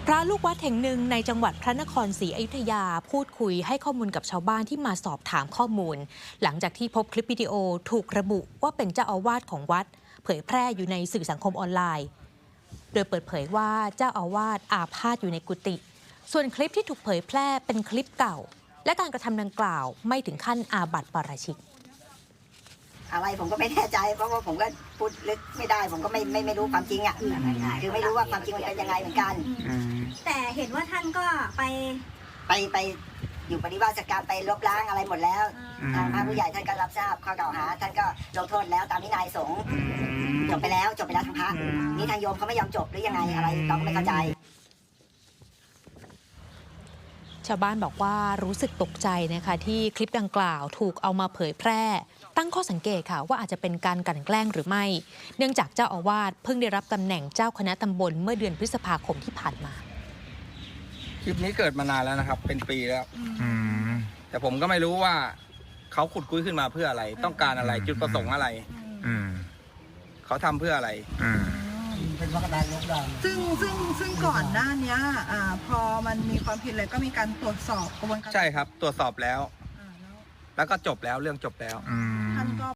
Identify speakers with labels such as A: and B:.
A: ระลูกวัดแห่งหนึ่งในจังหวัดพระนครศรีอยุธยาพูดคุยให้ข้อมูลกับชาวบ้านที่มาสอบถามข้อมูลหลังจากที่พบคลิปวิดีโอถูกระบุว่าเป็นเจ้าอาวาสของวัดเผยแพร่อยู่ในสื่อสังคมออนไลน์โดยเปิดเผยว่าเจ้าอาวาสอาพาธอยู่ในกุฏิส่วนคลิปที่ถูกเผยแพร่เป็นคลิปเก่าและการกระทำดังกล่าวไม่ถึงขั้นอาบัติปาราชิก
B: อะไรผมก็ไม่แน่ใจเพราะว่าผมก็พูดลึกไม่ได้ผมก็ไม่รู้ความจริงอ่ะคือไม่รู้ว่าความจริงมันเป็นยังไงเหมือนกัน
C: แต่เห็นว่าท่านก็ไป
B: อยู่ปฏิบัติการไปลบล้างอะไรหมดแล้วทางพระผู้ใหญ่ท่านก็รับทราบข้อกล่าวหาท่านก็ลงโทษแล้วตามวินัยสงฆ์จบไปแล้วทางพระนี่ทางโยมเขาไม่ยอมจบหรือยังไงอะไรเราก็ไม่เข้าใจ
A: ชาวบ้านบอกว่ารู้สึกตกใจนะคะที่คลิปดังกล่าวถูกเอามาเผยแพร่ตั้งข้อสังเกตค่ะว่าอาจจะเป็นการกลั่นแกล้งหรือไม่เนื่องจากเจ้าอาวาสเพิ่งได้รับตำแหน่งเจ้าคณะตำบลเมื่อเดือนพฤษภาคมที่ผ่านมา
D: คลิปนี้เกิดมานานแล้วนะครับเป็นปีแล้วแต่ผมก็ไม่รู้ว่าเขาขุดคุยขึ้นมาเพื่ออะไรต้องการอะไรจุดประสงค์อะไรเขาทำเพื่ออะไร
E: เป็นวัคซีนลบล้างซึ่งก่อนหน้านี้พอมันมีความผิดเลยก็มีการตรวจสอบกระบวนการ
D: ใช่ครับตรวจสอบแล้วแล้วก็จบแล้วเรื่องจบแล้ว